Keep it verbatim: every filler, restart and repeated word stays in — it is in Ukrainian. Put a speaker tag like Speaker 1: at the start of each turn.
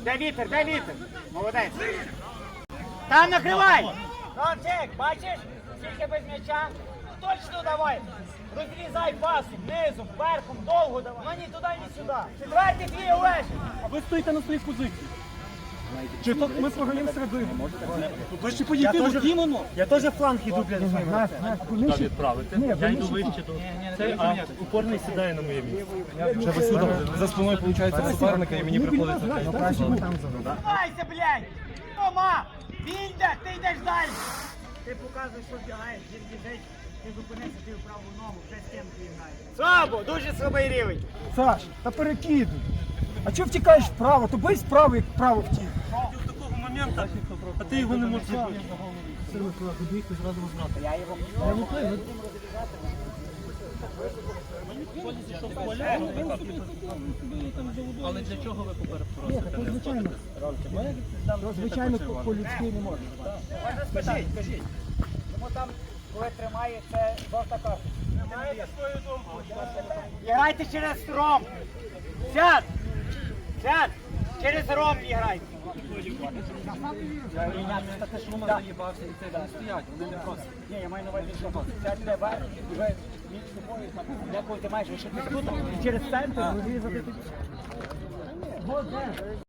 Speaker 1: Де вітер, де вітер? Молодець. Там накривай! Ромчик, бачиш? Скільки без м'яча? Точно давай! Розрізай пасом, низом, верхом, довго давай. Ну ні туди, ні сюди. Четвертий твій Олежик.
Speaker 2: А ви стоїте на своїй позиції. Чи то ми програємо середину? Ви ще поїдете в Дімону?
Speaker 1: Я теж фланг іду, блядь.
Speaker 3: Туди відправити. Я йду вище до цей, а упорний сідає на моє місце.
Speaker 2: Вже ви сюди за спиною, виходить, суперника і мені приходиться.
Speaker 1: Тримайся, блядь! Тома! Він йде, ти йдеш далі! Ти показуєш, що вдягаєш, він біжить, ти зупинився, ти в праву ногу, вже з ким ти граєш. Слабо, дуже слабий рівень.
Speaker 2: Саш, та перекидуй. А чого втікаєш вправо? То бий справа, як вправо втік.
Speaker 3: До такого моменту, а ти його не можеш зробити.
Speaker 1: Я його
Speaker 3: Але для чого ви поперед просите?
Speaker 2: Звичайно. Звичайно, по-людськи не можна.
Speaker 1: можна спитати, скажіть. Йому там, коли тримає, це жовта карта.
Speaker 3: Маєте свою думку?
Speaker 1: Грайте через ромб. Сядь! Сядь! Через ромб грайте. Ні, я маю на увазі, що сядьте вверх, і ви між собою, деколи ти маєш лишити тут, і через центр розрізати тут.